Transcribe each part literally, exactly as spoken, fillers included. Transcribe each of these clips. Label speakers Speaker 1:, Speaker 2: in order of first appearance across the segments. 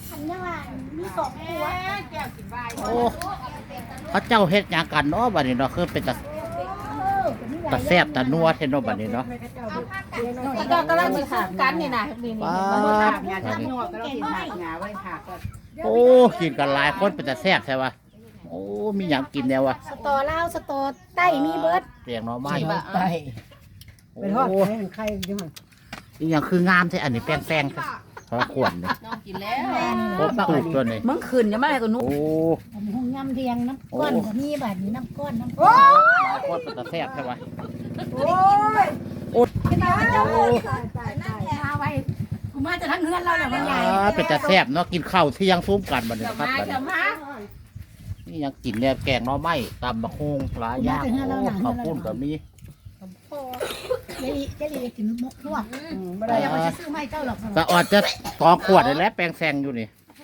Speaker 1: อันนี้ว่ามีสองตัว
Speaker 2: โอ้เขาเจ้าเฮ็ดหยังกันเนาะบัดนี้เนาะคือเป็นตาตาแซ่บตานัวแท้เนาะบัดนี้เนาะ
Speaker 3: แล้วก็กำลังสิถามกันนี่นะนี่นี่
Speaker 2: ว้า
Speaker 3: มัน
Speaker 2: ว
Speaker 3: ถามงานทั้งหมดก็เราสิถามงานไว้ถามกัน
Speaker 2: โอ้กินกันหลายคนเป็นตาแซ่บใช่ปะโอ้มีหยังกินแนววะ
Speaker 1: สตอลาวสตอใต้มีเบิด
Speaker 2: เรียงหน่อไม้
Speaker 4: ไป
Speaker 2: โอ้
Speaker 4: ไปทอดไข่ไข่จังหวะ
Speaker 2: อีหยังคืองามใช่อันนี้แป้งๆเพราะขวดนี่
Speaker 3: น้องกินแล้ว
Speaker 2: ครบตูดตัวนี้
Speaker 3: มึงขึ้นยังไม่ให้กูนุ๊ก
Speaker 2: โอ้
Speaker 1: อันนี้ห้องย่ำเรียงน้ำก้อนก็มีบัดนี้น้ำก้อนน้ำก้อน
Speaker 2: หลายคนเป็นตาแซ่บใช่ปะ
Speaker 4: โอ้ย
Speaker 2: โอ้
Speaker 1: มาไว้กูมาจะทั้งเฮือนเราแหละมันใหญ่
Speaker 2: อ่าเป็นตาแซ่บเนาะกินข้าวเที่ยงซุ้มกันบัดนี้
Speaker 3: เดี๋ยว
Speaker 2: นะครับ
Speaker 3: มา
Speaker 2: บัด
Speaker 3: เดี๋
Speaker 2: นี้
Speaker 3: ยวมา
Speaker 2: นี่ยังกินเนี่ยแกงหน่อไม้ตำมะฮงปลาย่างโอ้ข้าวปุ้นแบบนี้
Speaker 1: เจลีเจลีกินมกทั่ว
Speaker 4: ไม่
Speaker 1: เรา
Speaker 4: ได้
Speaker 1: อย่าไปซื้อไม่เจ้าหรอก
Speaker 2: แต่ออดจะสองขวดเลยแหล้วแปลงแซงอยู่นี่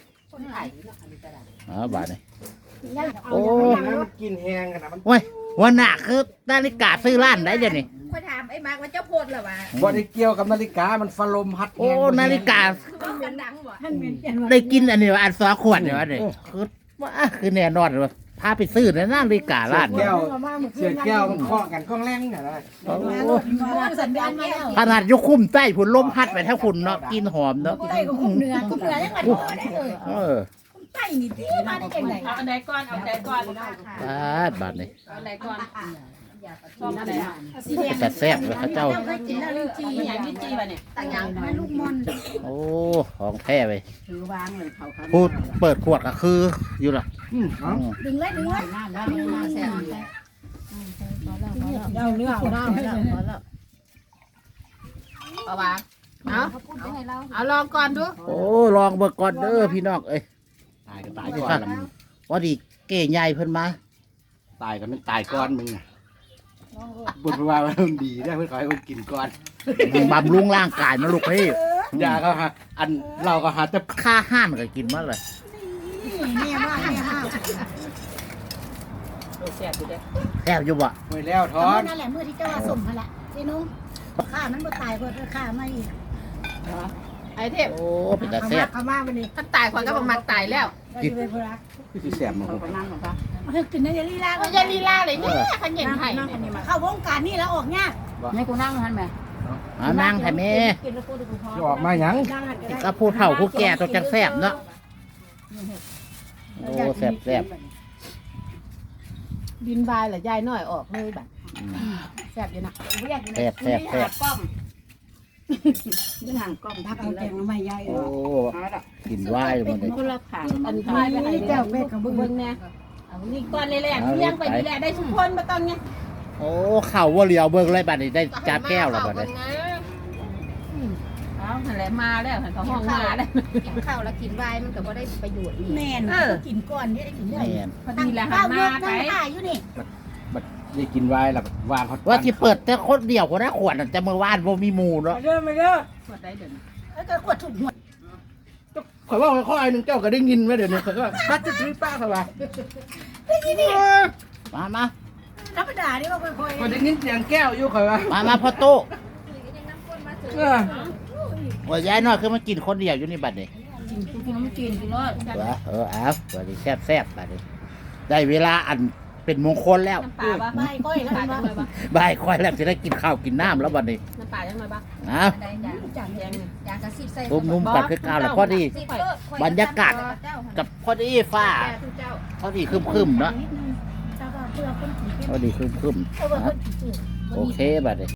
Speaker 2: อ๋อบาทนี่ โอ้
Speaker 4: มันกินแห้งกันนะมัน
Speaker 2: โอ้ยวันหนักคือนาฬิกาซื้อร้านได้เดี๋ยวนี้
Speaker 3: ค่อยถามไอ้มาร์กว่าเจ้าโพดเหรอวะ
Speaker 4: บ่ได้เกี่ยวกับนาฬิกามันฟลมพัด
Speaker 2: โอ้นาฬิกา
Speaker 3: มันดังบ่
Speaker 1: ท่านเหม็นเปลี่ยนว่า
Speaker 2: ได้กินอันนี้ว่าอันสองขวดเนี่ยวะนี่คือว่าคือแน่นอนเลยพาไปซื้อในนาฬิการ้านเนี่ย
Speaker 4: แก้วเสียแก้วมันเคาะกันข้องแรงน่ะนะ
Speaker 2: โอ้
Speaker 1: สัญญาณมาแล้ว
Speaker 2: ขนาดยกคุ้มใต้ผุนลมพัดไปถ้าฝุ่นเนาะกินหอมเนาะ
Speaker 1: ใต้ก็คุ้มเนื้อคุ้มเนื้อยังไงพอได้เลย
Speaker 2: เออ
Speaker 1: คุ้มใต้นี่ที่มาได้ยังไง
Speaker 3: เอาอันใดก่อนเอาอันใดก่อน
Speaker 2: บาทบาทนี่
Speaker 3: เอาอันใดก่อนชอบอันใดอ่ะ
Speaker 1: สีแดง
Speaker 2: แต่แซ่บเลยเขาเจ้า
Speaker 1: เคยกินแล้วลิ้นจี่
Speaker 3: มีอย่างลิ้นจี่ป่ะเนี่ย
Speaker 1: ต่างอย่างมาลูกมอน
Speaker 2: โอ้ของแท้ไป
Speaker 3: ถือวางเลยเขาครับ
Speaker 2: พูดเปิดขวดก็คืออยู่ล่ะ
Speaker 4: อืม
Speaker 2: อืม
Speaker 1: ดึงเลยดึงเลย
Speaker 4: เอาเนื้อเอาน้ำให้
Speaker 3: เอาวางเอาเอาลองก่อนดู
Speaker 2: โอ้ลองเบิกก่อนเด้อพี่น้องเอ้ย
Speaker 4: ตายก็ตายก่อน
Speaker 2: พอดีเก๋ใหญ่เพิ่นมา
Speaker 4: ตายก็มันตายก่อนมึงน่ะบุญว่ามันดีได้เพื่อขอให้คนกินก่อน
Speaker 2: บำรุงร่างกายนะลูกพี่
Speaker 4: ยาก็หาอันเราก็หาแต่
Speaker 2: ค่าห้านก็กินมาเลย
Speaker 1: เนี่ยมากเนี่ยมาก
Speaker 3: โอ้แซ่บอยู่เด้
Speaker 2: แอบอยู่บ่
Speaker 4: ไว้แล้วท
Speaker 1: ต
Speaker 4: อ
Speaker 1: อน นนั่นแหละมือที่เจ้าว่าสมพละเจ้นุ่งข้ามันบ่ตายก็ข้ามาอีก
Speaker 3: ไอ้เทพ
Speaker 2: โอ้เป็นตาแซ่บ
Speaker 1: ข้ามาวันนี้
Speaker 3: ถ้าตายคนก็ประมาณตายแล้ว
Speaker 1: กินไปพลัก
Speaker 4: คือสิแสบมา
Speaker 3: เขาก็นั่งของเขา
Speaker 1: กินในลีลา
Speaker 3: เขาจะลีลาเลยเนี่ยเขาเย็นไห้
Speaker 1: เข้าวงการนี่แล้วออกยาก
Speaker 3: ให้กูนั่งทันไหม
Speaker 2: เอานั่งแท้แม่
Speaker 4: จะออกมาหยัง
Speaker 2: ก็ผู้เฒ่าผู้แก่ต้องจังแซ่บเนาะโอ้แซ่บแซ่บ
Speaker 3: ดินบายเหรอยายน้อยออกเลยแบบ
Speaker 2: อืม
Speaker 3: แซ่บอยู่นะ
Speaker 2: แซ่บแซ่บแซ่บ
Speaker 3: ป้อมนี่ห่างกล้องทัก
Speaker 1: เอา
Speaker 3: เล
Speaker 1: แก
Speaker 3: ย
Speaker 1: งมาใหม่ใหญ่
Speaker 2: โอ้กินไหวายหมดเลย
Speaker 3: คนละขางอันท้ายไปไหนเจ้าเบ็ดกับเบิ้งเนี่ยเอานี่ก้อนเลยแหละเลี้ยงไปนี่แหละได้ทุกคนมาตอนเนี้ย
Speaker 2: โอ้เข่าว่าเลียวเบิ่งเลยบัดนี้ได้จานแก้วแล้วบัดนี้
Speaker 3: เอาอะไรมาแล้วเขาห้องมาแล้ว
Speaker 5: กินข้าวแล้วกินไวน์มันก็บ่ได้ประโยชน์นี่
Speaker 1: แม่นกินก่อนนี่ได้กินได้
Speaker 2: แม่น
Speaker 3: พอดีแหละหั
Speaker 1: ข้าน ว
Speaker 3: มา
Speaker 1: เลือก
Speaker 3: ไป
Speaker 1: นั่งถ่ายอยู่นี่
Speaker 4: บัดได้กินไว้แล้ววางเขา
Speaker 2: ว่าที่เปิดแต่คนเดียวคนละขวดน่ะแต่เมื่อวานบ่มีหมู่เนาะ
Speaker 4: มาเด้อมาเด้อ
Speaker 3: หมดได้เดี๋ยวนี้
Speaker 1: แล้วก็ขวดถูกหัว
Speaker 4: ข่อยว่าข้อไอ้หนึ่งเจ้าก็ได้ยินไว้เดี๋ยวนี้ข่อยก็บัดจะซื้อป้าเขาว่า
Speaker 2: มามา
Speaker 1: ธรรมดานี่ว่าค่อย
Speaker 4: ข่อยได้ยินเสียงแก้วอยู่ข่อยว่า
Speaker 2: มามาพ่อโต้
Speaker 4: เออ
Speaker 2: ว่ายายน้อยคือมากินคนเดียวอยู่นี่บัดนี้
Speaker 3: กินกินน้ำจีนกินรส
Speaker 2: เออเออเอาบัดนี้แซ่บแซ่บบัดนี้ได้เวลาอันเป็นมงคลแล้ว
Speaker 3: น้ำปลาบ้าง
Speaker 1: ๆไม่ก้อยแล้ว
Speaker 3: ปลา
Speaker 1: มัน
Speaker 3: จังเลยบ้าง
Speaker 2: บ่ายค่อยแล้วจะได้กินข้าวกินน้ำแล้วบัดนี้
Speaker 3: น้ำปลาจังเลยบ้าง
Speaker 2: เอา
Speaker 5: ได้จ้ะ
Speaker 1: จัง
Speaker 3: แยงเนี่ย
Speaker 5: อยากกระซิบใส่
Speaker 2: ตุ้มนุ่มปัดคือข้าวแล้วพอดี
Speaker 5: สิเด้อบ
Speaker 2: รรยากาศ กับพอดีฟ้า
Speaker 5: แก่ทุกเจ้า
Speaker 2: พอดีครึมๆเนาะ
Speaker 1: นิดนึงแต่ว่าเพื่อคนกิน
Speaker 2: พอดีครึม
Speaker 1: เพื่อคนกิน
Speaker 2: ๆโอเคบัดนี้